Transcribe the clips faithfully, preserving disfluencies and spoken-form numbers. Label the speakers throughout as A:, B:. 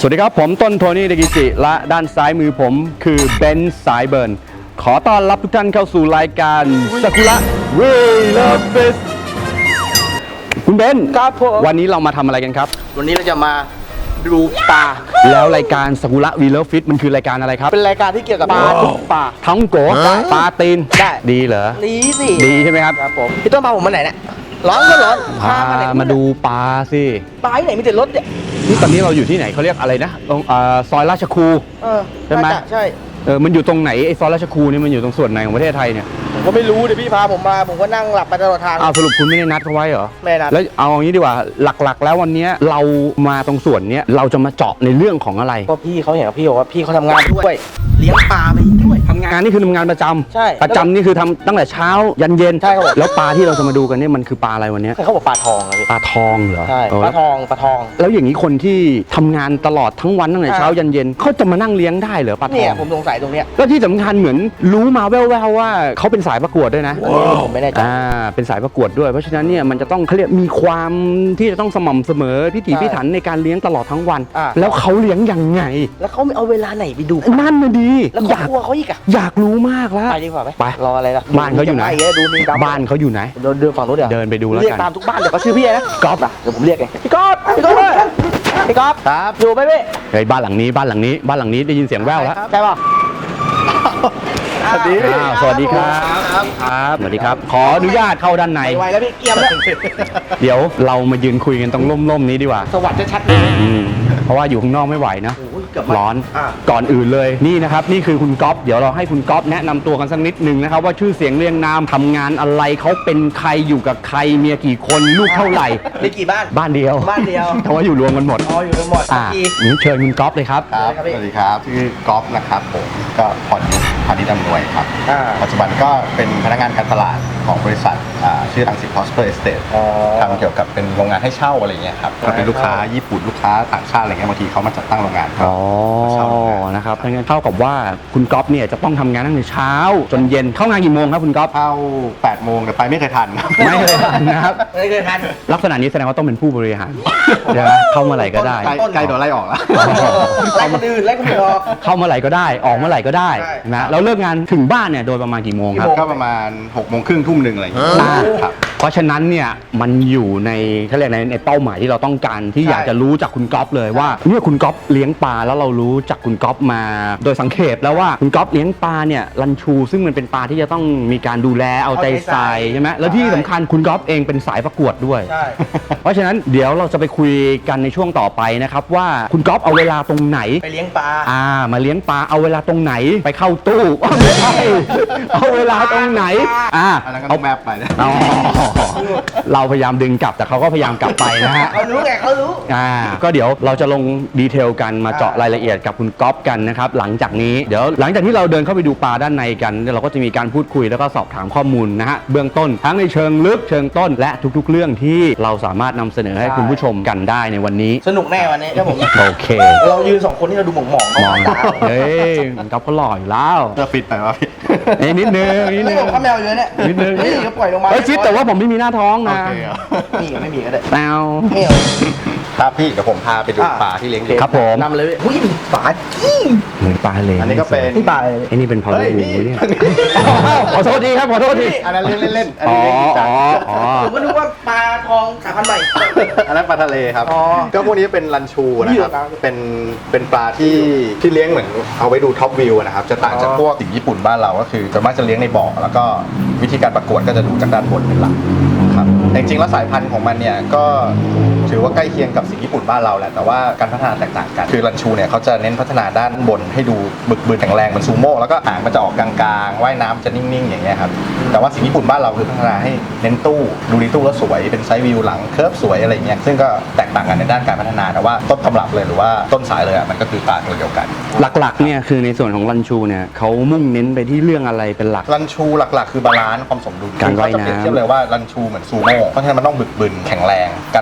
A: สวัสดีครับผมต้นโทนี่เดกิจิและด้านซ้ายมือผมคือเบนซ์สายเบิร์นขอต้อนรับทุกท่านเข้าสู่รายการซากุระเวลเฟสคุณเบนซ์ครับผมวันนี้เรามาทำอะไรกันครับ
B: วันนี้เราจะมาดูปลา
A: แล้วรายการซากุระวีเลฟิตมันคือรายการอะไรครับ
B: เป็นรายการที่เกี่ยวกับปลาทุกปลา
A: ทั้งโกปลาตีน
B: ได้
A: ดีเหรอ
B: ดีสิ
A: ดีใช่ไหมครับ
B: ครับผมพี่ต้นพาผมมาไหนเนี่ยร้อนก็ร้อน
A: พามาดูปลาสิ
B: ปลาที่ไหนมีแต่รถเนี่ย
A: นี่ตอนนี้เราอยู่ที่ไหนเขาเรียกอะไรนะตรงซอยราชครูใช่ไหม
B: ใช่
A: เออมันอยู่ตรงไหนไอ้ซอยราชครูนี่มันอยู่ตรงส่วนไหนของประเทศไทยเนี่ย
B: ผมก็ไม่รู้เดี๋ยวพี่พาผมมาผมก็นั่งหลับไปตลอดทาง
A: อ้าวสรุปคุณไม่ได้นัดเขาไว้เหรอ
B: ไม่นัด
A: แล้วเอาอย่างนี้ดีกว่าหลักๆแล้ววันนี้เรามาตรงส่วนนี้เราจะมาเจาะในเรื่องของอะไร
B: ก็พี่เขาเห็นกับพี่บอกว่าพี่เขาทำงานด้วยเลี้ยงปลาไปด้วย
A: ทำงานนี่คือทำงานประจำ
B: ใช่
A: ประจำนี่คือทำตั้งแต่เช้ายันเย็น
B: ใช่ครับ
A: แล้วปลาที่เราจะมาดูกันเนี่ยมันคือปลาอะไรวันนี้
B: เขาบอกปลาทองเลย
A: ปลาทองเหรอ
B: ใช่ปลาทองปลาทอง
A: แล้วอย่างนี้คนที่ทำงานตลอดทั้งวันตั้งแต่เช้ายันเย็นเขาจะมานั่งเลี้ยงได้เหรอปลาทอง
B: เนี่ยผมสงสัยตรงเนี้ย
A: แล้วที่สำคัญเหมือนรู้มาแว่วๆว่าเขาเป็นสายประกวดด้วยนะ
B: ผมไม่แน่ใจ
A: อ่าเป็นสายประกวดด้วยเพราะฉะนั้นเนี่ยมันจะต้องเขาเรียกมีความที่จะต้องสม่ำเสมอพิถีพิถันในการเลี้ยงตลอดทั้งวันแล้วเขาเลี้ยงยังไง
B: แล้วเขาไม่เอาเวลาไหนไปดู
A: นั่นน่ะดี
B: แล้วอยากกลัวเขาอีกอะ
A: อยากรู้มากแล้ว
B: ไปดีกว่าไหม
A: ไป
B: รออะไรล่ะ
A: บ้านเขาอยู่ไหน
B: ดูนี่
A: บ้านเขาอยู่ไหน
B: เดินเดินฝั่งนู้นเดี๋ยว
A: เดินไปดูแล้วกัน
B: เรียกตามทุกบ้านเดี๋ยวเขาชื่อพี่นะก๊อฟนะเดี๋ยวผมเรียกเองพี่ก๊อฟพี่ก๊อฟพี่ก๊อฟครับอยู่ไหมพี่
A: เฮ้ยบ้านหลังนี้บ้านหลังนี้บ้านหลังนี้ได้ยินเสียงแว่วแล้ว
B: ใช่ป่ะ
A: สวัสดีสวัสดีครับครับสวัสดีครับขออนุญาตเข้าด้านใน
B: ไวแล้วพี่เกียมแล้ว
A: เดี๋ยวเรามายืนคุยกันตรงร่มๆนี้ดีกว่า
B: สวัสดีชัดเลย
A: เพราะว่าอยู่ข้างนอกไม่ไหวนะร้อนก่อนอื่นเลยนี่นะครับนี่คือคุณก๊อฟเดี๋ยวเราให้คุณก๊อฟแนะนำตัวกันสักนิดหนึ่งนะครับว่าชื่อเสียงเรียงนามทำงานอะไรเขาเป็นใครอยู่กับใครเมียกี่คนลูกเท่าไหร่
B: มีกี่บ้าน
A: บ้านเดียว
B: บ้านเดียว
A: เพราะว่าอยู่รวมกันหมด
B: อ๋ออยู่กันหมด
A: อ่านี่เชิญคุณก๊อฟเลยครับ
C: ครับสวัสดีครับชื่อกอล์ฟนะครับผมก็พรยุทธพานิชอำนวยครับปัจจุบันก็เป็นพนักงานการตลาดของบริษัทชื่อรังสิต Prosper Estate ทำเกี่ยวกับเป็นโรงงานให้เช่าอะไรเงี้ยครับก็เป็นลูกค้าญี่ปุ่นลูกค้าต่างชาติอะไรเงี้ยบางทีเขามาจัดตั้งโรงงาน
A: อ๋อนะครับงั้นเท่ากับว่าคุณก๊อฟเนี่ยจะต้องทำงานตั้งแต่เช้าจนเย็นเข้างานกี่โมงครับคุณก๊อฟ
C: เข้าแปดโมงแต่ไปไม่เคยทัน
A: ไม่เคยทันนะครับ
B: ไม่เคยทัน
A: ลักษณะนี้แสดงว่าต้องเป็นผู้บริหารใช่ไหมเข้าเมื่อไหร่ก็ได้
C: ใกล้โดนไล่ออกแล้ว
B: ไล่คนอื่นไล่คนอื่นออก
A: เข้าเมื่อไหร่ก็ได้ออกเมื่อไหร่ก็ได้นะแล้วเลิกงานถึงบ้านเนี่ยโดยประมาณกี่โมงครับ
C: ก็ประมาณหกโมงครึ่งทุ่มหนึ่งอะไรอย่างเงี้ยครับ
A: เพราะฉะนั้นเนี่ยมันอยู่ในเขาเรียกในในเป้าหมายที่เราต้องการที่อยากจะรู้จากคุณก๊อฟเลยว่าเนี่ยคุณก๊อฟเลี้ยงปลาแล้วเรารู้จากคุณก๊อฟมาโดยสังเขปแล้วว่าคุณก๊อฟเลี้ยงปลาเนี่ยรันชูซึ่งมันเป็นปลาที่จะต้องมีการดูแลเอาใจใส่ใช่ไหมแล้วที่สำคัญคุณก๊อฟเองเป็นสายประกวดด้วยเพราะฉะนั้นเดี๋ยวเราจะไปคุยกันในช่วงต่อไปนะครับว่าคุณก๊อฟเอาเวลาตรงไหน
B: ไปเลี้ยงปลา
A: อ่ามาเลี้ยงปลาเอาเวลาตรงไหนไปเข้าตู้ไม่ใช่เอาเวลาตรงไหนอ่า
C: เอาแมปไปนะ
A: เราพยายามดึงกลับแต่เขาก็พยายามกลับไปนะฮะ
B: เขารู้ไงเขารู้
A: อ่าก็เดี๋ยวเราจะลงดีเทลกันมาเจาะรายละเอียดกับคุณก๊อฟกันนะครับหลังจากนี้เดี๋ยวหลังจากที่เราเดินเข้าไปดูปลาด้านในกันเราก็จะมีการพูดคุยแล้วก็สอบถามข้อมูลนะฮะเบื้องต้นทั้งในเชิงลึกเชิงต้นและทุกๆเรื่องที่เราสามารถนำเสนอให้คุณผู้ชมกันได้ในวันนี้
B: สนุกแน่วันนี้ครับผม
A: โอเค
B: เรายืนสองคนที่เราดูหมองหมอง
A: มองเฮ้ยคุณก๊อฟก็หล่ออยู่แล้ว
C: จะฟิตไปวะพี่
A: นิดนึงนิดนึง
B: ข้าแมวเยอะเนี่ย
A: นิดนึง
B: นี่ก็ปล่อยลงมา
A: เฮ้ยฟิตแต่ว่าผมไม่มีหน้าท้องนะ
B: มีไม่มีก็ได้
A: แมว
C: ครับพี่เดี๋ยวผมพาไปดูปลาที่เลี้ยง
A: ครับผม
B: นำเลยอุ้ยปลา
A: เหมือนปลาเลย
C: อันนี้ก็เป็น
B: นี่ปลา
A: ไอ้นี่เป็นพอลลูเนี่ยขอโทษทีครับขอโทษที
C: อันนั้นเล่นเล่น
A: อ๋ออ๋อ
B: ผมก็นึกว่าปลาทองสายพันธุ์ใหม่
C: อันนั้นปลาทะเลครับก็พวกนี้เป็นรันชูนะครับเป็นเป็นปลาที่ที่เลี้ยงเหมือนเอาไว้ดูท็อปวิวนะครับจะต่างจากพวกสิ่งญี่ปุ่นบ้านเราก็คือจะมักจะเลี้ยงในบ่อแล้วก็วิธีการประกวดก็จะดูจากด้านบนเป็นหลักครับจริงๆแล้วสายพันธุ์ของมันเนี่ยก็ถือว่าใกล้เคียงกับสิ่งญี่ปุ่นบ้านเราแหละแต่ว่าการพัฒนาแตกต่างกันคือรันชูเนี่ยเขาจะเน้นพัฒนาด้านบนให้ดูบึกบึนแข็งแรงเหมือนซูโม่แล้วก็หางมันจะออกกลางๆว่ายน้ำจะนิ่งๆอย่างเงี้ยครับแต่ว่าสิ่งญี่ปุ่นบ้านเราคือพัฒนาให้เน้นตู้ดูดีตู้แล้วสวยเป็นไซส์วิวหลังเคิร์ฟสวยอะไรเงี้ยซึ่งก็แตกต่างกันในด้านการพัฒนาแต่ว่าต้นตำรับเลยหรือว่าต้นสายเลยอ่ะมันก็คือปลาตัวเดียวกัน
A: หลักๆเนี่ยคือในส่วนของรันชูเนี่ยเขามุ่งเน้นไปที่เรื่องอะไรเป็นหลัก
C: รันชูหลักๆคือบาลานซ์ความสมดุล
A: การว่ายน้ำ
C: เปรียบเทียบเลยว่ารันชูเหมือนซูโม่เพราะฉะนั้นมันต้องบึกบึนแข็งแรงการว่ายน้ำคือ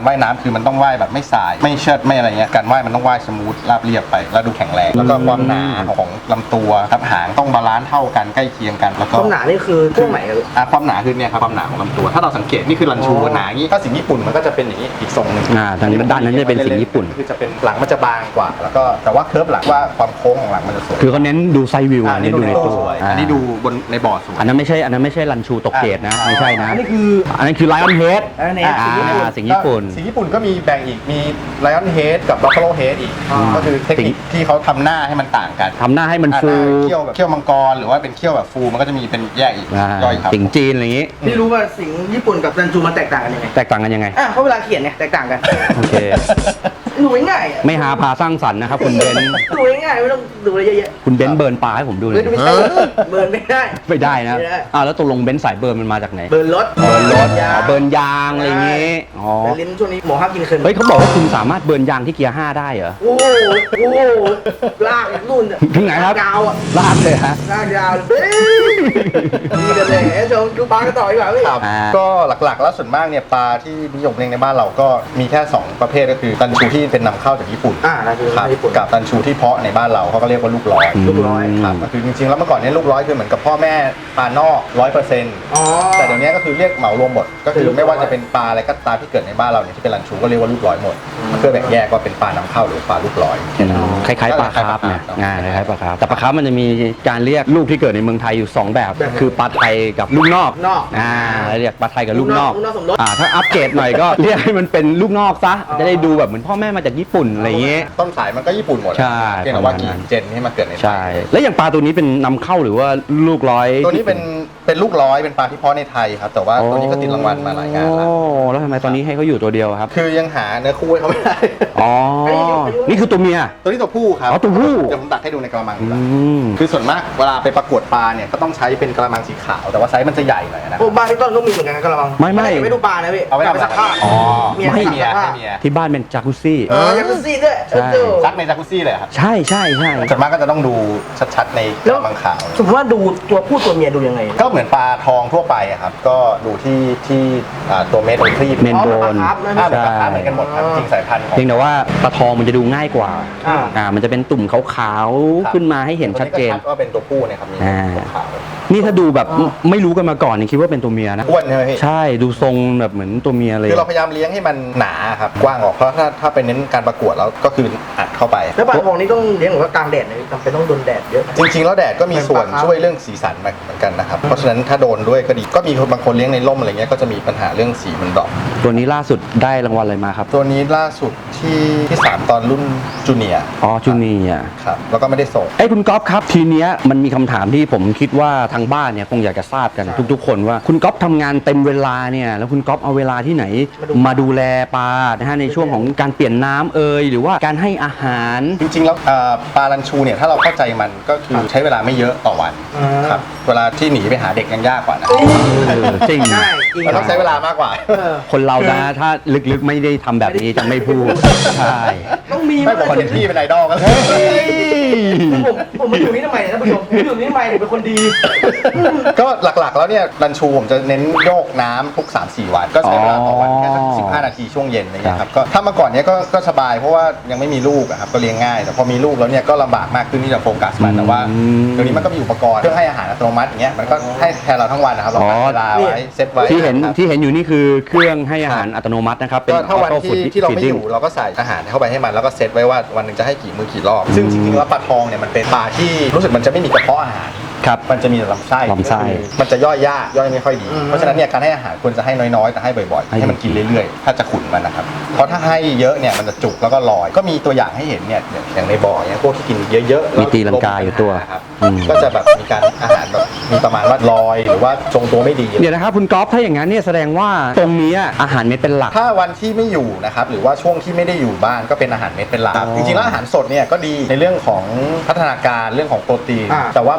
C: คือมันต้องว่ายแบบไม่สายไม่เชิดไม่อะไรเงี้ยการว่ายมันต้องว่ายสมูทราบเรียบไปแล้วดูแข็งแรงแล้วก็ความหนาของลำตัวครับหางต้องบาลานซ์เท่ากันใกล้เคียงกันแล้วก็
B: ความหนานี่คือช่วงไหนครับ
C: อ่ะความหนาคือเนี่ยครับความหนาของลำตัวถ้าเราสังเกตนี่คือรันชูหนาอย่างนี้ถ้าสิงห์ญี่ปุ่นมันก็จะเป็นอย่างนี้อีกทรงหนึ่ง
A: อ่าทางด้านนั้นจะเป็นสิงห์ญี่ปุ่น
C: คือจะเป็นหลังมันจะบางกว่าแล้วก็แต่ว่าเคิร์ฟหลังว่าความโค้งของหลังมันจะสวย
A: คือเขาเน้นดูไซด์วิว
C: อันนี้ดูในตู้สวย
A: อ่า
C: อันนี้ดูบนในบ่อสวย
A: อันนั้นไม่ใช่อันนั้นไม่ใช่รันชูตกเกตนะไม่ใช่นะ
B: อันนี้คือ
A: อันนั้นคือไลออนเฮด
B: Lion Head
A: สิงห์ญี่ปุ่น
C: สิงห์ญี่ปุ่นก็มีแบ่งอีกมี Lion Head กับ Buffalo Head อีก
B: อ่า
C: ก็คือเทคนิคที่เขาทำหน้าให้มันต่างกัน
A: ทำหน้าให้มันฟู
C: อ่าเขี้ยวแบบเขี้ยวมังกรหรือว่าเป็นเขี้ยวแบบฟูมันก็จะมีเป็นแยกอีก
A: อ่า
C: ย่อยครับ
A: สิงห์จีนอะไรอย่างงี้
B: พี่รู้ว่าสิงห์ญี่ปุ่นกับรันจูมันแตกต่างกันยังไง
A: แตกต่างกันยังไง
B: อ่ะเพราะเวลาเขียนเนี่ยแตกต่างกัน
A: โอเค
B: ดูง่ายๆอ่ะ
A: ไม่หาพาสร้างสรรค์นะครับคุณเบนซ์
B: ดูง่ายๆไม่ต้องดูอะไรเยอะ
A: คุณเบนซ์เบิร์นปลาให้ผมดูห
B: ๆ
A: น่
B: เฮ้
A: อย ย
B: ไม่ใช่เบิร์นไม่ได้
A: ไม่ได้นะ
B: ไม่ได้
A: อ่าแล้วตกลงเบนซ์สายเบิร์นมันมาจากไหน
B: เบิร์นรถ
A: เบิร์นรถ
B: ยา
A: อ๋อเบิร์นยางอะไรอย่างงี้อ๋อ
B: แต่ลิ้นช่วงนี้หมอห้ามกินเคิน
A: เฮ้ยเขาบอกว่าคุณสามารถเบิร์นยางที่เกียร์ห้าได้เหรอ
B: โอ้โหโอ้โหลากรุ่นอ่ะ
A: ถึงไหนครับ
B: ยาวอ่ะ
A: ลากเลยฮะ
B: ลากยาวเลยเฮ้ยนี่กันเลยเอ้ยชมดูปลากันต่อดีกว่าพี่
C: ครับ
A: อ่า
C: ก็หลักๆแล้วส่วนมากเนี่ยปลาที่นิยมเลี้ยงในบ้านเราก็มีแค่สองประเภทก็คือตันชูที่เป็นนำเข้าจากญี่ปุ่น
B: อ่าน่าจะ
C: ครับ
B: เป็นญี่ปุ่น
C: กับตันชูที่เพาะในบ้านเราเขาก็เรียกว่าลูกร้อย
B: ลูกร้อย
C: ครับก็คือจริงๆแล้วเมื่อก่อนเนี้ลูกร้อยคือเหมือนกับพ่อแม่ปลานอกร้อยเปอร์เซ็นต์
B: อ๋อ
C: แต่เดี๋ยวนี้ก็คือเรียกเหมารวมหมดก็คือ
B: ลูกร้อย
C: ไม่ว่าจะเป็นปลาอะไรก็ตามที่เกิดในบ้านเราเนี่ยที่เป็นรันชูก็เรียกว่าลูกร้อยหมดเพื่อแบ่งแยกว่าเป็นปลานำเข้าหรือปลาลูกร้อย
A: คล้ายๆปลาคาร์ฟเนี่ยงานคล้ายๆปลาคาร์ฟแต่ปลาคาร์ฟมันจะมีการเรียกลูกที่เกิดในเมืองไทยอยู่สองแบบ
B: แบบ
A: คือปลาไทยกับลูกนอก
B: นอก
A: อ่าเรียกปลาไทยกับลูกนอก
B: ลูกนอกสมรส
A: อ่าถ้าอัปเกรดหน่อยก็ เรียกให้มันเป็นลูกนอกซะจะได้ดูแบบเหมือนพ่อแม่มาจากญี่ปุ่นอะไรอย่างเงี้ย
C: ต้นสายมันก็ญี่ปุ่นหมด
A: ใช่
C: เพียงแต่ว่ากี่เจนที่มาเกิดในไทย
A: ใช่ แล้วอย่างปลาตัวนี้เป็นนำเข้าหรือว่าลูกร้อย
C: ตัวนี้เป็นเป็นลูกร้อยเป็นปลาที่เพาะในไทยครับแต่ว่าตัวนี้ก็ติดรางวัลมาหลายงานแล้ว
A: โอ้แล้วทำไมตอนนี้ให้เขาอยู่ตัวเดียวครับ
C: คือยังหาเนื้อคู่ให้เขาไม่ได้
A: อ๋อ นี่คือตัวเมีย
C: ตัวนี้ตัวผู้ครับ
A: อ๋อตัวผู้
C: เดี๋ยวผมตักให้ดูในกระมังดี
A: อื
C: กว่า
A: ม
C: คือส่วนมากเวลาไปประกวดปลาเนี่ยก็ต้องใช้เป็นกระมังสีขาวแต่ว่าไซส์มันจะใหญ่หน่อยนะ
B: โอ้บ้านพี่ต้นก็มีเหมือนกันนะกระมัง
A: ไม่ไม่
B: ไม่ดูปลานะพี่
C: เอาไว้ทำอะไร
B: ซักผ้า
A: อ๋อ
B: เมีย
A: ไม่
B: ซัก
C: เมีย
B: ผ้า
C: ให้เมีย
A: ที่บ้านเป็นจากุซี่
B: เออยังซี่ด้วย
A: ใช่
B: เออ
C: ซักในจากุซี่เลยครับ
A: ใช่ใช่ใช่
C: ส่วนมากก็จะต้องดูชัดๆในกระมังขาว
B: สมมติว่าดูตัวผู้ตัวเมียดูยังไง
C: ก็เหมือนปลาทองทั่วไปอะครับก็ดูที่ที่อ่าตัวเม็ดตัวครีบ
A: เมนโบน
B: อ๋อปลาคาร์ฟนะ
C: อ่าเป็นปลาคาร์ฟเหมือนกันหมดครับจริงๆสายพันธุ์ของ
A: เพียงแต่ว่าปลาทองมันจะดูง่ายกว่า
B: อ่า
A: อ่า มันจะเป็นตุ่มขาว
C: ครับ
A: ๆ ขึ้นมาให้เห็นชัดเจน
C: ตัวก็ว่าเป็นตัวผู้เนะครับมี
A: อ่า
C: ตัวขาว
A: นี่ถ้าดูแบบไม่รู้กันมาก่อนนี่คิดว่าเป็นตัวเมียนะ
C: อ้วนใช่ไหมพี่
A: ใช่ ดูทรงแบบเหมือนตัวเมียเลย
C: คือเราพยายามเลี้ยงให้มันหนาครับกว้างออกเพราะถ้าถ้าไปเน้นการประกวดแล้วก็คืออัดเข้าไป
B: แล้วปลาทองนี่ต้องเลี้ยงหรือว่ากลางแดดเลยจำเป็นต้องโดนแดดเยอะ
C: จริงๆแล้วแดดก็มีส่วน
B: เป็นปลาครับ
C: ช่วยเรื่องสีสันเหมือนกันนะครับเพราะฉะนั้นถ้าโดนด้วยก็ดีก็มีบางคนเลี้ยงในร่มอะไรเงี้ยก็จะมีปัญหาเรื่องสีมันดรอป
A: ตัวนี้ล่าสุดได้รางวัลอะไรมาครับ
C: ตัวนี้ล่าสุดที่ที่สามตอนรุ่นจูเนียร์
A: อ๋อจูเนียร์
C: ครับแล้วก็ไม่ได้ส่ง
A: ไอ้ยคุณก๊อฟครับทีเนี้ยมันมีคำถามที่ผมคิดว่าทางบ้านเนี่ยคงอยากจะทราบกันทุกๆ คนว่าคุณก๊อฟทำงานเต็มเวลาเนี่ยแล้วคุณก๊อฟเอาเวลาที่ไหน มาดูแลปลานะฮะในช่วงของการเปลี่ยนน้ำเอยหรือว่าการให้อาหาร
C: จริงๆแล้วเอ่อปลาลันชูเนี่ยถ้าเราเข้าใจมันก็คือใช้เวลาไม่เยอะต่อวัน
B: อ่า
C: ครับเวลาที่หนีไปหาเด็กยังยากกว่านะ
A: เออจริง
B: ใช่จริง
C: มันต้องใช้เวลามากกว่า
B: เออ
A: คนเรานะถ้าลึกๆไม่ได้ทำแบบนี้จะไม่พูดใช่
B: ต้องมี
C: ไม่ผมคนที่เป็นไอดอลกันเลย
B: ผมผมมาอยู่นี่ทำไมเนี่ยท่านผู้ชมผมอยู่นี่ทำไมผมเป็นคนดี
C: ก็หลักๆแล้วเนี่ยรันชูผมจะเน้นโยกน้ำทุก สามสี่ วัน ก็ใช้เวลาต่อวันแค่สักสิบห้านาทีช่วงเย็นอะไรเงี้ยครับก็ถ้าเมื่อก่อนเนี้ยก็ก็สบายเพราะว่ายังไม่มีลูกอะครับก็เลี้ยงง่ายแต่พอมีลูกแล้วเนี่ยก็ลำบากมากขึ้นที่จะโฟกัสมันแต่ว่าเดี๋ยวนี้มันก็มีอุปกรณ์เครื่องให้อาหารอัตโนมัติอย่างเงี้ยมันก็ให้แทนเราทั้งวันนะครับเราตั้งเวลาไว้เซตไว้
A: ที่เห็น
C: ครับ
A: ที่เห็นอยู่นี่คือเครื่องให้อาหารอัตโนมัตินะครับเป็น
C: ก็ถ้าวัน
A: auto
C: ที่
A: food
C: ที่เราไม่อ
A: feeding
C: ยู่เราก็ใส่อาหารเข้าไปให้มันแล้วก็เซตไว้ว่าวันหนึ่งจะให้กี่มื้อกี่รอบซึ่งจริงๆแล้วปลาทองเนี่ยมันเป็นปลาที่รู้สึกมันจะไม่มีกระเพาะอาหาร
A: ครับ
C: มันจะมีแต่ลำไส้
A: ลำไส้
C: มันจะย่อยยากย่อยไม่ค่อยดี
B: อืม
C: เพราะฉะนั้นเนี่ยการให้อาหารควรจะให้น้อยๆแต่ให้บ่อยๆ
A: ให้
C: ให้มันกินเรื่อยๆ ถ้าจะขุนมันนะครับเพราะถ้าให้เยอะเนี่ยมันจะจุกแล้วก็ลอยก็มีตัวอย่างให้เห็นเนี่ยอย่างในบ่อเนี่ยพวกที่กินเยอะๆ
A: มีตีลังกาอยู่ตัว
C: ครับ
A: อืม
C: ก็จะแบบมีการอาหารแบบมีประมาณว่าลอยหรือว่าทรงตัวไม่ดี
A: เดี๋ยวนะครับคุณก๊อฟถ้าอย่างนั้นเนี่ยแสดงว่าตรงนี้อาหารเม็ดเป็นหลัก
C: ถ้าวันที่ไม่อยู่นะครับหรือว่าช่วงที่ไม่ได้อยู่บ้านก็เป็นอาหารเม็ดเป็นหลัก
A: อ๋อ
C: จริงๆแล้วอาหารสดเนี่ยก็ดีในเรื่องของพัฒนาการเรื่องของโปรตีน
B: อ่า
C: แต่ว่ามันก็มีเรื่อง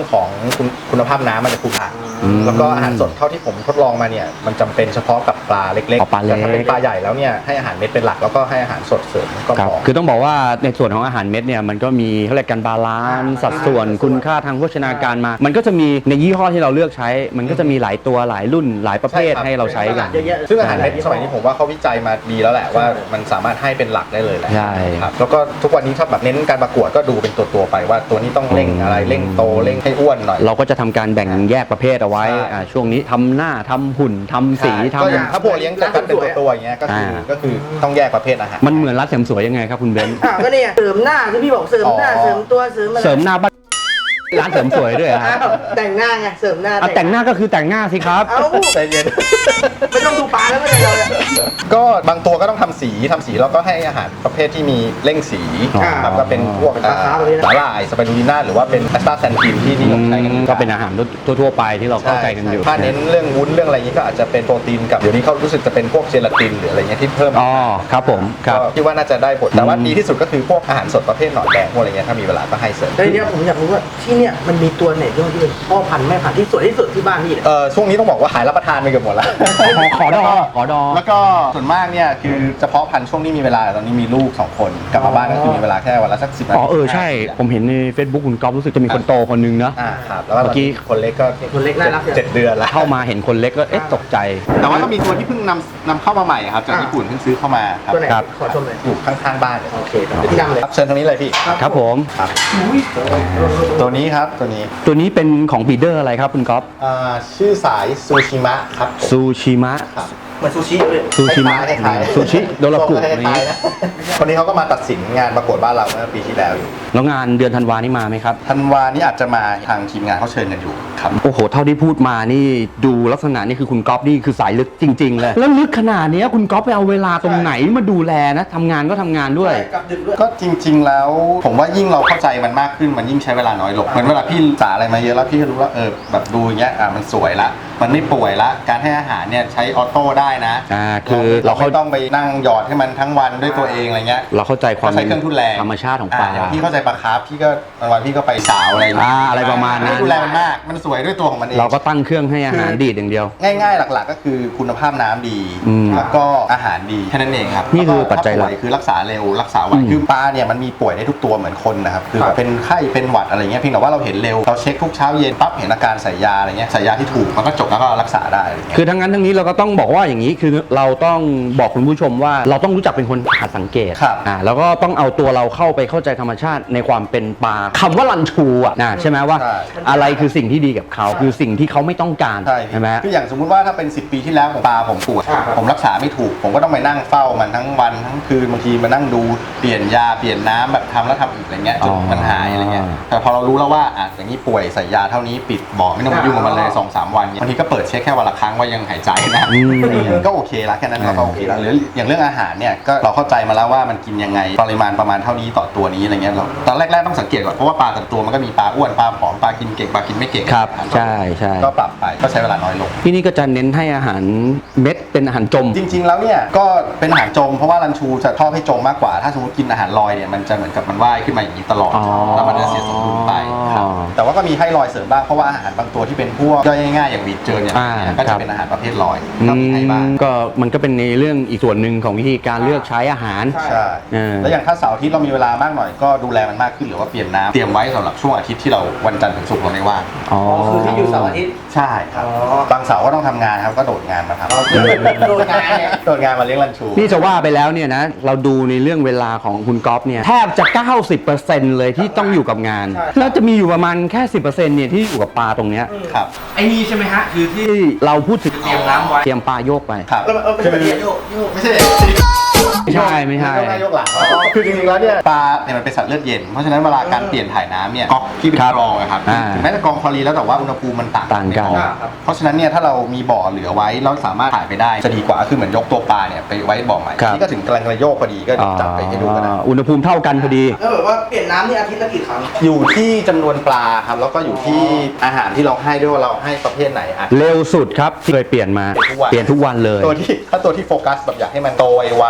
C: รื่องของคุณคุณภาพน้ำมันจะคุ้มค่าแล้วก็อาหารสดเท่าที่ผมทดลองมาเนี่ยมันจำเป็นเฉพาะกับปลาเล็ก
A: อ๋อปลาเล็ก
C: แต่ถ้าเป็นปลาใหญ่แล้วเนี่ยให้อาหารเม็ดเป็นหลักแล้วก็ให้อาหารสดเสริมก็
A: ครับ
C: พอ
A: คือต้องบอกว่าในส่วนของอาหารเม็ดเนี่ยมันก็มีเขาเรียกกันบาลานซ์สัดส่วนคุณค่าทางโภชนาการมา มันก็จะมีในยี่ห้อที่เราเลือกใช้ มันก็จะมีหลายตัวหลายรุ่นหลายประเภท
C: ใช่ครับ
A: ให้เราใช้กัน
B: เยอะแยะ
C: ซึ่งอาหารเม็ดสมัยนี้ผมว่าเขาวิจัยมาดีแล้วแหละว่ามันสามารถให้เป็นหลักได้เลยแหละ
A: ใช่
C: ครับแล้วก็ทุกวันนี้ถ้าแบบเน้นการประกวดก็ดูเป็นตัวตัวๆไปว่าตัวนี้ต้องเร่งอะไรเร่งโตเร่งให้อ้วนหน่อย
A: เราก็จะทำการแบ่งแยกประเภทเอาไว้
C: ใช่
A: อ่าช่วงนี้ทำหน้าทำหุ่นทำสี
C: ใช่
A: ทำ
C: ก็อย่างถ้าพวกเลี้ยงกันเป็นตัวตัวๆอย่างเงี้ยก็คืออา ก็คือต้องแยกประเภทอาหาร
A: มันเหมือนร้านเสริมสวยยังไงครับคุณเบนซ์
B: อ้าวก็เนี่ยเสริมหน้าที่พี่บอกเสริมหน้า
C: อ๋อ
B: เสริมตัวเสริมอะไร
A: เสริมหน้าบ้านร้านเสริมสวยด้วยเหรอฮะ
B: อ้าวแต่งหน้าไงเสริมหน้า
A: อ่ะแต่งหน้าก็คือแต่งหน้าสิครับ
B: เอ้า
C: ใจเย็น
B: ไม่ต้องดูปลาแล้วไม่ได้เลย
C: ก็บางตัวก็ต้องทำสีทำสีแล้วก็ให้อาหารประเภทที่มีเร่งสี
A: อ๋อ
C: ครับก็เป็นพวก
B: ปลาคาร์ฟแบบนี้นะ
C: สาหร่ายสไปรูลิน่าหรือว่าเป็นแอสตาแซนทินที่นิยมใช้กัน
A: ก็เป็นอาหารทั่วๆไปที่เราเข้าใจกันอยู่
C: ใช่ถ้าเน้นเรื่องวุ้นเรื่องอะไรนี้ก็อาจจะเป็นโปรตีนกับเดี๋ยวนี้เขารู้สึกจะเป็นพวกเจลาตินหรืออะไรเงี้ยที่เพิ่ม
A: อ๋อครับผมครับ
C: ก็คิดว่าน่าจะได้ผลแต่ว่า
A: อืม
C: ดีที่สุดก็คือพวกอาหารสดประเภทหนอนแดงพวกอะไรเงี้ยถ้ามีเวลาก็ให้เสริม
B: แล้วทีเนี้ยผมอยากรู้ว่าที่เนี่ยมันมีตัวไหนที่เป็นพ่อพันธุ์แม่พันธุ์ที่สวยที่สุดที่บ้านพี่เนี่ย
C: เออช่วงนี้ต้องบอกว่าหายรับประทานไปเกือบหมดแล้ว
A: ขอขอดอขอดอ
C: แล้วก็ส่วนมากเนี่ยคือเฉพาะพันธุ์ช่วงนี้มีเวลาตอนนี้มีลูกสองคนกลับมาบ้านก็คือมีเวลาแค่วันละสักสิบนาที
A: อ๋อเออใช่ ผมเห็นใน Facebook คุณก๊อฟรู้สึกจะมีคนโตคนนึงนะ
C: อ่าครับแล้วก็
A: เมื่อกี้
C: คนเล็กก็
B: คนเล็กน่ารักจัง
C: เจ็ดเดือนแล้ว
A: เข้ามาเห็นคนเล็กก็เอ๊ะตกใจ
C: แต่ว่าก็มีตัวที่เพิ่งนำนำเข้ามาใหม่ครับจากญี่ปุ่นเพิ่งซื้อเข้ามาครับ
B: ตัวไหน
A: ครับ
B: ขอชมเลย
C: อยู่ข้างๆบ้านเลย
B: โอเคครับพี่ดำเลย
C: ครับเชิญตรงนี้เลยพี่
A: ครับผม
C: ครับตัวนี้ครับตัวนี้
A: ตัวนี้เป็นของบีเดอร์อะไรครับคุณก๊อฟ
C: อ่าชื่อสายซูชิมะครับผม
A: ซูชิมะ
C: ครับ
B: เหมือนซูชิเลย
A: ซูชิมะ
C: คล้ายๆ
A: ซูชิโดรากุ
C: คล้ายๆ
A: นี้
C: นะคนนี้เขาก็มาตัดสินงานประกวดบ้านเราเมื่อปีที่แล้วอยู่
A: แล้วงานเดือนธันวานี่มาไหมครับ
C: ธันวานี่อาจจะมาทางทีมงานเขาเชิญกันอยู่ครับ
A: โอ้โห เท่าที่พูดมานี่ดูลักษณะนี่คือคุณก๊อฟนี่คือสายลึกจริง ๆ เลย แล้วลึกขนาดเนี้ยคุณก๊อฟไปเอาเวลาตรงไหนมาดูแลนะทำงานก็ทำงานด้วย
B: กับดึกด้วย
C: ก็จริง ๆ แล้วผมว่ายิ่งเราเข้าใจมันมากขึ้นมันยิ่งใช้เวลาน้อยลงเหมือนเวลาพี่ศึกษาอะไรมาเยอะแล้วพี่ก็รู้ว่าเออแบบดูอย่างเงี้ยอ่ะมันสวยละมันไม่ป่วยละการให้อาหารเนี่ยใช้ออโต้ได้นะ
A: อ่าคือ
C: เรา
A: เราเข้า
C: ไม่ต้องไปนั่งหยอดให้มันทั้งวันด้วยตัวเองอะไรเงี้ย
A: เราเข้าใจความ
C: ก็ใช้เครื่องทุนแรง
A: ธรรมชาติของปลา
C: ย่างพี่เข้าใจปลาคาร์ฟพี่ก็บางวันพี่ก็ไปสาวอะไรย่งเงี้ย
A: อ่าอะไรประมาณนั้น
C: ไดูแลมันมากมันสวยด้วยตัวของมันเอง
A: เราก็ตั้งเครื่องให้อาหารดีดอย่างเดียว
C: ง่ายๆ หลักๆ ก็คือคุณภาพน้ำดี
A: อืม
C: แล้วก็อาหารดีแค่นั้นเองครับ
A: นี่คือปัจจัยหลัก
C: ถ้าป่วยคือรักษาเร็วรักษาไว
A: อืม
C: คือปลาเนี่ยมันมีป่วยได้ทุกตัวเหมือนคนนะครับคือแบบเป็นไข้เป็นหวัดอะไรเงี้ยเพียงแต่ว่าเราเห็นเร็วเราเช็คทุกเช้าเย็นปั๊บเห็นอาการใส่ยาอะไรเงี้ยใส่ยาที่ถูกมันก็จบแล้วก็รักษาได้อะไรเงี้ย
A: คือทั้งนั้นทั้งนี้เราก็ต้องบอกว่าอย่างนี้คือเราต้องบอกคุณผู้ชมว่าเราต้องรู้จักเป็นคนหาสังเกต
C: ครับ
A: อ่าแล้วก็ต้องเอาตัวเราเข้าไปเข้าใจธรรมชาติในความเป็นปลาคำว่าลันชูอ่ะนะใช่ไหมว่า
C: ใช่
A: อะไรคือสิ่งที่ดีกับเขาคือสิ่งที่เขาไม่ต้องการ
C: ใช่
A: ใช่ไหม
C: คืออย่างสมมุติว่าถ้าเป็นสิบปีที่แล้วผมปลาผมป่วย
B: อ่าครับ
C: ผมรักษาไม่ถูก ผมก็ต้องไปนั่งเฝ้ามันทั้งวันทั้งคืนบางทีมานั่งดูเปลี่ยนยาเปลี่ยนน้ำแบบทำแล้วทำอีกอะไรเงี้ยจนมันหายอะไรเงี้ยแต่พอเรารู้แล้วว่าอ่ะอย่างนี้ป่วยใส่ยาเท่านี้ปิดบ่อไม่ต้องมายุ่งกับมันเลยสองสามวันบางทีก็เปิดเช็คแค่วันละครั้งว่ายังหายใจนะ
A: อืม
C: ก็โอเคละแค่นั้นเราก็โอเคละหรืออย่างเรื่องอาหารเนี่ยก็เราเข้าใจมาแล้วว่ามันกินยังไงปริมาณประมาณเท่านี้ต่อตัวนี้อะไรเงี้ยเราตอนแรกๆต้องสังเกตก่อนเพราะว่าปลาแต่ละตัวมันก็มีปลาอ้วนปลาผอมปลากินเก่งปลากินไม่เก่ง
A: ครับใช่ใช่
C: ก็ปรับไปก็ใช้เวลาน้อยลง
A: ที่นี่ก็จะเน้นให้อาหารเม็ดเป็นอาหารจม
C: จริง ๆ แล้วเนี่ยก็เป็นอาหารจมเพราะว่ารันชูจะชอบให้จมมากกว่า ถ้าสมมติกินอาหารลอยเนี่ยมันจะเหมือนกับมันว่ายขึ้นมาอย่างนี้ตลอด
A: อ๋อ
C: แล้วมันจะเสียสมดุลไปครับแต่ว่าก็มีให้ลอยเสริมบ้างเพราะว่าอาหารบางตัวที่เป็นพวกย่อยง่ายๆอย่างวีดเจิญเนี่ย
A: อ่า
C: ก็
A: ครั
C: จะ
A: บ
C: เป็นอาหารประเภทลอย
A: อื
C: ก็มีให้บ้าง
A: มก็มันก็เป็นในเรื่องอีกส่วนหนึ่งของวิธีการเลือกใช้อาหาร
C: ใช่
A: เออ
C: แล้วอย่างถ้าเสาร์อาทิตย์เรามีเวลามากหน่อยก็ดูแลมันมากขึ้นหรือว่าเปลี่ยนน้ำเตรียมไว้สำหรับช่วงอาทิตย์ที่เราวันจันทร์ถึงศุกร์เราไม่ว่าง
A: อ๋อ
B: คือที่อยู่เสาร์อาทิตย์
C: ใช่ครับ
B: อ๋อ
C: บางเสาร์ก็ต้องทำงานครับก็โดดงานมาทำ
B: โดนงานเนี่ย
C: โดดงานมาเลี้ยงรันชู
A: นี่จะว่าไปแล้วเนี่ยนะเราดูในเรื่องเวลาของคุณก๊อฟเนี่ยแทบจะ เก้าสิบเปอร์เซ็นต์ เลยที่ต้องอยู่กับงาน
B: ใช่
A: แล้วจะมีอยู่ประมาณแค่ สิบเปอร์เซ็นต์ เนี่ยที่อยู่กับปลาตรงเนี้ย
C: ครับ
D: ไอ้นี่ใช่ไหมฮะ คือที่
A: ที่เราพูดถึง
D: เตรียมน้ำไว้
A: เตรียมปลาโยกไป
C: ครับ
B: แล้วมันเอาไปแบบนี้โยกโยก
C: ไม่ใช่
A: ไม่ใช่ไม่ใช่
C: ยกหน้ายกหลังคือจริงๆแล้วเนี่ยปลาเนี่ยมันเป็นสัตว์เลือดเย็นเพราะฉะนั้นเวลาการเปลี่ยนถ่ายน้ำเนี่ยก๊อกที่เป็น
A: ครับ
C: กรองอะครับ
A: อ่า
C: ถึงแม้จะกรองคลอรีนแล้วแต่ว่าอุณหภูมิมันต่าง
A: ต่างกัน
C: ใบ่อเพราะฉะนั้นเนี่ยถ้าเรามีบ่อเหลือไว้แล้วสามารถถ่ายไปได้จะดีกว่าคือเหมือนยกตัวปลาเนี่ยไปไว้บ่อใหม่
A: ครับ
C: นี่ก็ถึงกำลังจะโยกพอดีก็จับไปให้ดูกันนะ
A: อ่าอุณหภูมิเท่ากันพอดี
B: แล้วแบบว่าเปลี่ยนน้ำนี่อาทิตย์ละกี่ครั้ง
C: อยู่ที่จำนวนปลาครับแล้วก็อยู่ที่อาหารที่เราให้ด้วยว่าเราให้ประเภทไหนอ่ะ
A: เร็วสุดครับที่เคยเปลี่ยนมา
C: เปลี่ยนทุกวัน
A: เปลี่ยนทุกวันเลย
C: ตัวที่ถ้าตัวที่โฟกัสแบบอยากให้มันโตไวๆหรือว่า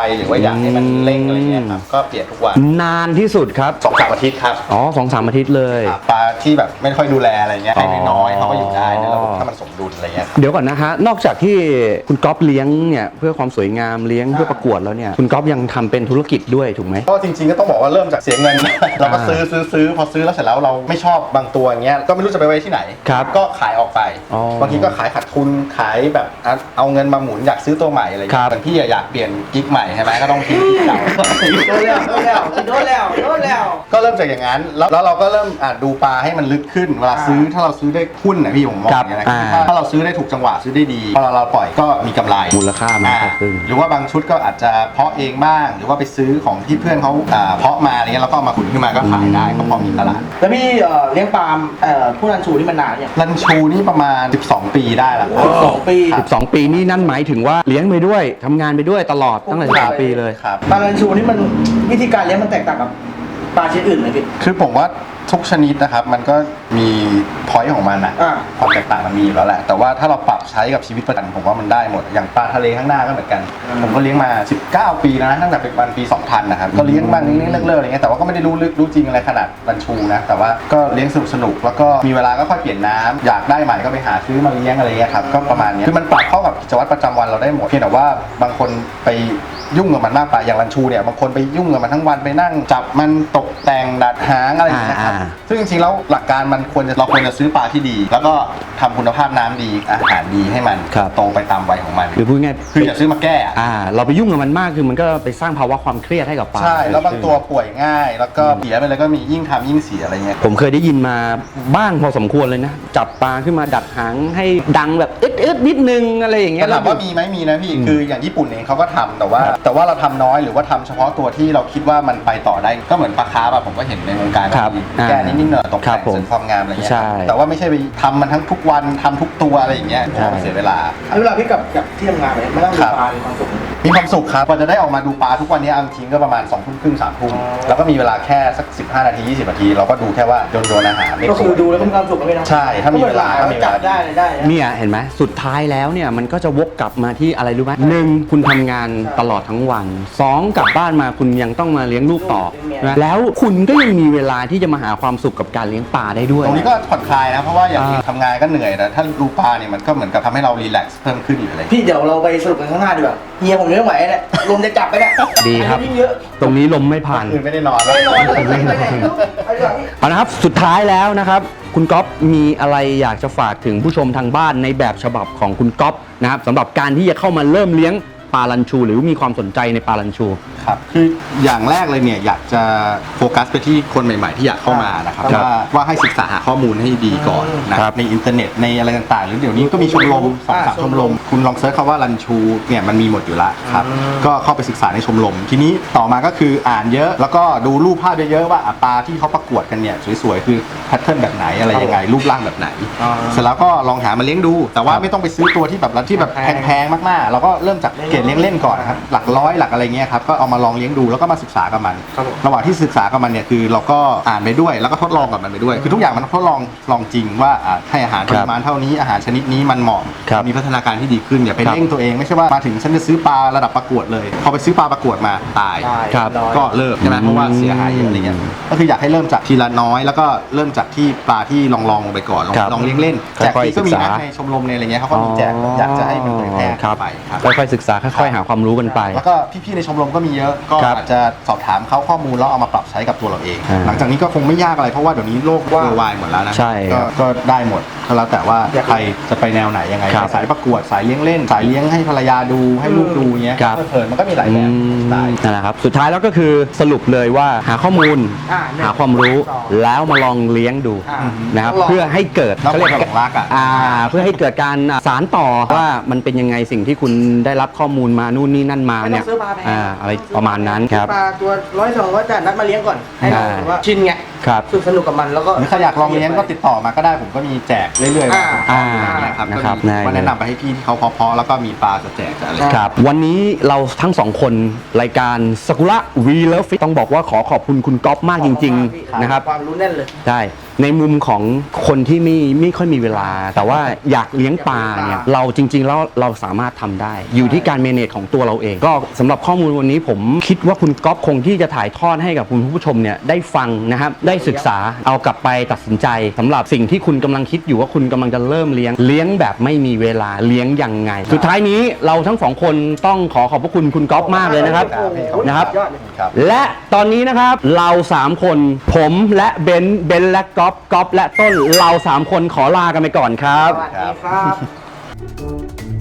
C: อยากให้มันเร่งอะไรเงี้ยครับก็เปลี่ยนทุกวัน
A: นานที่สุดครับ
C: สองสามอาทิตย์ครับ
A: อ๋อสองสามอาทิตย์เลย
C: ครับปลาที่แบบไม่ค่อยดูแลอะไรเงี้ยให้น้อยๆเขาก็อยู่ได้ในระบบ
A: อ๋อ
C: ถ้ามันสมดุลอะไรเงี้ยครับ
A: เดี๋ยวก่อนนะฮะนอกจากที่คุณก๊อฟเลี้ยงเนี่ยเพื่อความสวยงามเลี้ยงเพื่อประกวดแล้วเนี่ยคุณก๊อฟยังทำเป็นธุรกิจด้วยถูกไหม
C: ก็จริงๆก็ต้องบอกว่าเริ่มจากเสียเงิน เราก็ซื้อซื้อซื้อพอซื้อแล้วเสร็จแล้วเราไม่ชอบบางตัวอย่างเงี้ยก็ไม่รู้จะไปไว้ที่ไหน
A: ครับ
C: ก็ขายออกไป
A: อ๋อบ
C: างทีก็ขายขาดทุนขายแบบเอาเอาเงินมาหมุนอยากซื้อตัวใหม่อะไรอย่าง
A: ครั
C: เงี้
A: บ
C: ยบางที่อยากเปลี่ยนกิ๊กใหม่ใช่ไหมก็ต้องทิ้งกิ๊กเก่า
B: โดนแล้วโดนแล้วโดนแล้วโดนแล้ว
C: ก็เริ่มจากอย่างนั้นแล้วแล้วเราก็เริ่มอ่ะดูปลาให้มันลึกขึ้นเวลาซื้อถ้าเราซื้อได้หุ้นนะพี่ผมมองอย่างนี้นะ
A: อ่า
C: ถ้าถ้าเราซื้อได้ถูกจังหวะซื้อได้ดีพอเราเราปล่อยก็มีกำไร
A: มูลค่ามัน
C: อ่า
A: ก็ขึ้น
C: หรือว่าบางชุดก็อาจจะเพาะเองบ้าง หรือว่าไปซื้อของที่เพื่อนเขาอ่าเพาะมาอะไรเงี้ยแล้วก็เอามาขุนขึ้นมาก็ขายได้ก็พอมีตลาด
B: แล้วพี่เอ่อเลี้ยงปลาเอ่อผู้รันชูนี่มันนานเนี่ย
C: รันชูนี่ประมาณ สิบสอง ปีได้แล้วครับ
B: สองปี
A: สิบสองปีนี่นั่นหมายถึงว่าเลี้ยงไปด้วยทำงานไปด้วยตลอดตั้งแต่สิบสองปีเลย
C: ครับ
B: ปลารันชูนี่มันวิธีการเลี้ยงมันแตกต่างกับปลาชนิดอื่นไหมพี่
C: คือผมว่าทุกชนิดนะครับมันก็มีพอยต์ของมันอะ
B: อ่า
C: ความแตกต่างมันมีอยู่แล้วแหละแต่ว่าถ้าเราปรับใช้กับชีวิตประจำวันผมว่ามันได้หมดอย่างปลาทะเลข้างหน้าก็เหมือนกัน ผมก็เลี้ยงมา สิบเก้า ปีแล้วนะตั้งแต่เป็นวันปี สองพัน นะครับก็เลี้ยงบ้างเลี้ยงเลิกๆอะไรเงี้ยแต่ว่าก็ไม่ได้รู้ลึกรู้จริงอะไรขนาดรันชูนะแต่ว่าก็เลี้ยงสนุกสนุกๆแล้วก็มีเวลาก็ค่อยเปลี่ยนน้ำอยากได้ใหม่ก็ไปหาซื้อมาเลี้ยงอะไรเงี้ยครับก็ประมาณเนี้ยคือมันปรับเข้ากับกิจวัตรประจำวันเราได้หมดเพียงแต่ว่าบางคนไปยุ่งกับมันมากไปอย่างรันชูเนี่ยบางคนไปยุ่งกับมันทั้งวันไปนั่งจับมันตกแต่งดัดหางอะไรอย่างเงี้ยครับ
A: อ่า
C: ซึ่งจริงๆแล้วหลักการมันควรจะเราควรจะซื้อปลาที่ดี แล้วก็ทำคุณภาพน้ำดีอาหารดีให้มัน
A: ครับ
C: โตไปตามวัยของมัน
A: คือพูดง่าย
C: คืออย่าซื้อมาแก้อะ
A: อ่า เราไปยุ่งกับมันมากคือมันก็ไปสร้างภาวะความเครียดให้กับปลา
C: ใช่แล้วบางตัวป่วยง่าย แล้วก็เสียไปเลยก็มียิ่งทำยิ่งเสียอะไรเงี้ย
A: ผมเคยได้ยินมาบ้างพอสมควรเลยนะ จับปลาขึ้นมาดัดหางให้ดังแบบอึดอึดๆนิดนึงอะไรอย่างเงี้ย
C: ถามว่ามีไหมมีนะพี่คืออย่างญี่ปุ่นเองเขาก็ทำแต่ว่า แต่ว่าเราทำน้อยหรือว่าทำเฉพาะตัวที่เราคิดว่ามันไปต่อได้ก็เหมือนปลาคาร์ฟอะผมก็เห็นในวงการ
A: ครับ
C: มี
A: อ่า
C: แก้นิดๆหน่อยๆตก
A: ครั
C: แต่
A: บ
C: ง
A: ผม
C: เสริมความงามอะไรเงี้ย
A: ใช่
C: แต่ว่าไม่ใช่ไปทำมันทั้งทุกวันทำทุกตัวอะไรอย่างเงี้ย
A: ใช่
C: มันเสียเวลา
B: เอาเวลาพี่กับกับที่ทำงานไปไม่ต้องดู
C: ครับ
B: ปลามีความสุข
C: มีความสุขครับกว่าจะได้ออกมาดูปลาทุกวันนี้เอาจริงๆก็ประมาณสองทุ่มครึ่งสามทุ่ม
B: อ๋อ
C: แล้วก็มีเวลาแค่สักสิบห้านาทียี่สิบนาทีเราก็ดูแค่ว่าโดนโดนอาหารไม่
B: ก็คือ
C: ป่วย
B: ดูแล้วก็มีความสุขก็ไม่นะ
C: ใช่ถ้ามีเวลาถ้ามีเวลา
B: จับได้เลยได้นะ
A: เนี่ยเห็นไหมสุดท้ายแล้วเนี่ยมันก็จะวกกลับมาที่อะไรรู้ไหมหนึ่งคุณทำงานตลอดทั้งวันสองกลับบ้านมาคุณยังต้องมาเลี้ยงลูกต่อ
B: เลี้ยงเมีย
A: นะแล้วคุณก็ยังมีเวลาที่จะมาหาความสุขกับการเลี้ยงปลาได้ด้วย
C: ตรงนี้ก็ผ่อนคลายนะเพราะว่าอย่าง
A: อ่า
C: ทำงานก็เหนื่อยแต่ถ้าดูปลาเนี่ยมันก็เหมือนกับทำให้เรารีแลกซ์เพิ่มขึ้นหรืออะไร
B: พี่เดี๋ยวเราไปสรุปกันข้างหน้าดีกว่าเฮียผมยังไม่ไหวเนี่ยลมจะจับไปเนี่ย
A: ดีครับ
B: อายุยิ่งเยอะ
A: ตรงนี้ลมไม่ผ่าน
C: คืนไม่ได้นอน
B: ไม่นอนเลยไม่ไปไหนลูกไปดีกว่าพี่
A: เอาละครับสุดท้ายแล้วนะครับคุณก๊อฟมีอะไรอยากจะฝากถึงผู้ชมทางบ้านในแบบฉบับของคุณก๊อฟนะครับสำหรับการที่จะเข้ามาเริ่มเลี้ยงปลาลันชู หรือมีความสนใจในปลาลันชู
C: ครับคืออย่างแรกเลยเนี่ยอยากจะโฟกัสไปที่คนใหม่ๆที่อยากเข้ามานะครับ
A: ครับ
C: ว่าว่าให้ศึกษาหาข้อมูลให้ดีก่อนนะครับ ในอินเทอร์เน็ตในอะไรต่างๆ หรือเดี๋ยวนี้ก็มีชมรมสองสามชมรม คุณลองเซิร์ชคำว่ารันชูเนี่ยมันมีหมดอยู่แล้วครับก็เข้าไปศึกษาในชมรม ทีนี้ต่อมาก็คืออ่านเยอะแล้วก็ดูรูปภาพเยอะๆว่าอ่ะปลาที่เขาประกวดกันเนี่ยสวยๆคือแพทเทิร์นแบบไหนอะไรยังไงรูปร่างแบบไหน เสร็จแล้วก็ลองหามาเลี้ยงดู แต่ว่าไม่ต้องไปซื้อตัวที่แบบที่แบบแพงๆมากๆเราก็เริ่มจากเกรดเลี้ยงเล่นก่อนนะครับหลักร้อยหลักอะไรเงี้ยครับก็เอามาลองเลี้ยงดูแล้วก็มาศึกษากับมัน
B: ครับผม
C: ระหว่างที่ศึกษากับมันเนี่ยคือเราก็อ่านไปด้วยแล้วก็ทดลองกับมันไปด้วย คือทุกอย่างมันทดลองลองจริงว่าอ่ะให้อาหารปริมาณเท่านี้อาหารชนิดนี้มันเหมาะ
A: ครับ
C: มีพัฒนาการที่ดีขึ้นอย่าไป
A: ครับ
C: เร่งตัวเองไม่ใช่ว่ามาถึงฉันจะซื้อปลาระดับประกวดเลยพอไปซื้อปลาประกวดมาตาย
B: ได้
A: ครับ
B: ร้อย
C: ก็เลิกใช่ไหมเพราะว่าเสียหายเยอะอะไรเงี้ยก็คืออยากให้เริ่มจากทีละน้อย แล้วก็เริ่มจากที่ปลาที่ลองลองๆลงไปก่อนลอง
A: ครับ
C: ลองเลี้ยงเล่นแจก
A: ค่อยๆ
C: ที่ก็มี
A: ศึกษา
C: นะในชมรมในอะไรเงี้ยเขาก็มีแจกอยากจะให้มันเผยแพร่
A: ครับ
C: ไปครับ
A: ค่อยๆศึกษาค่อยๆหาความรู้กันไป
C: แล้วก็พี่ๆในชมรมก็มีเยอะก็
A: ครับ
C: อาจจะสอบถามเขาข้อมูลแล้วเอามาปรับใช้กับตัวเราเอง
A: อ่า
C: หลังจากนี้ก็คงไม่ยากอะไรเพราะว่าเดี๋ยวนี้โลกเวอร์ไวหมดแล้วนะ
A: ใช่
C: ก็
A: ครับ
C: ก็ได้หมดก็แล้วแต่ว่าใครจะไปแนวไหนยังไง
A: ครับ
C: สายประกวดสายเลี้ยงเล่น สายเลี้ยงให้ภรรยาดูให้ลูกดูเงี้ย
A: ครับ
C: เพลินๆมันก็มีหลายแบบสไตล์
A: นั่นแหละครับสุดท้ายแล้วก็คือสรุปเลยว่าหาข้อมูล
B: อ่าหนึ่ง
A: หาความรู้
B: สอง
A: แล้วมาลองเลี้ยงดู
B: อ่า
A: นะครับ
B: ลอง
A: เพื่อให้เกิด
C: แล้ว
A: เขา
C: ค
A: เรีย
C: น
A: ก
C: หลงรักอ่ะ
A: อ่าเพื่อให้เกิดการอ่าสารต่อว่ามันเป็นยังไงสิ่งที่คุณได้รับข้อมูลมานู่นนี่นั่นมา
B: ไม่ต้
A: เนี่
B: อย งซื้อปลาแพง
A: อ่าอะไรประมาณนั้นครับ
B: ปลาตัวร้อยสองร้อยแต่นัดมาเลี้ยงก่อนให้เรา
A: ใช่
B: แบบว่าชินไง
A: ครับ
B: สนุกสนุกกับมันแล้วก็
C: หรือใครอยากลองเลี้ยงก็ติดต่อมาก็ได้ผมก็มีแจกเรื่อยๆ
B: อ่า
A: อ่า
C: อย่างเงี้ยครับ
A: นะครับ
C: ก็มีว่าแนะนำไปให้พี่ที่เขาเพาะๆแล้วก็มีปลาจะแจกจะอะไร
A: ครับวันนี้เราทั้งสองคนรายการสกุระวีเลิฟฟิตต้องบอกว่าขอขอบคุณคุณก๊อฟมากจริงๆนะครับ
B: ความรู้แน่นเลย
A: ได้ในมุมของคนที่ไม่ไม่ค่อยมีเวลา แต่ว่าอยากเลี้ยงปลาเนี่ยเราจริงๆแล้วเราสามารถทำได้ อยู่ที่การเมเนจของตัวเราเอง ก็สำหรับข้อมูลวันนี้ผมคิดว่าคุณก๊อฟคงที่จะถ่ายทอดให้กับคุณผู้ชมเนี่ยได้ฟังนะครับได้ศึกษาเอากลับไปตัดสินใจสำหรับสิ่งที่คุณกำลังคิดอยู่ว่าคุณกำลังจะเริ่มเลี้ยงเลี้ยงแบบไม่มีเวลาเลี้ยงยังไง สุดท้ายนี้เราทั้งสองคนต้องขอขอบพระคุณคุณก๊อฟมากเลยนะครับ นะครับ
B: ยอดเลย
C: ครับ
A: และตอนนี้นะครับเราสามคนผมและเบนซ์เบนซ์และก๊อฟก๊อฟและต้นเราสามคนขอลากันไปก่อนครับ
B: สวัสดีครับ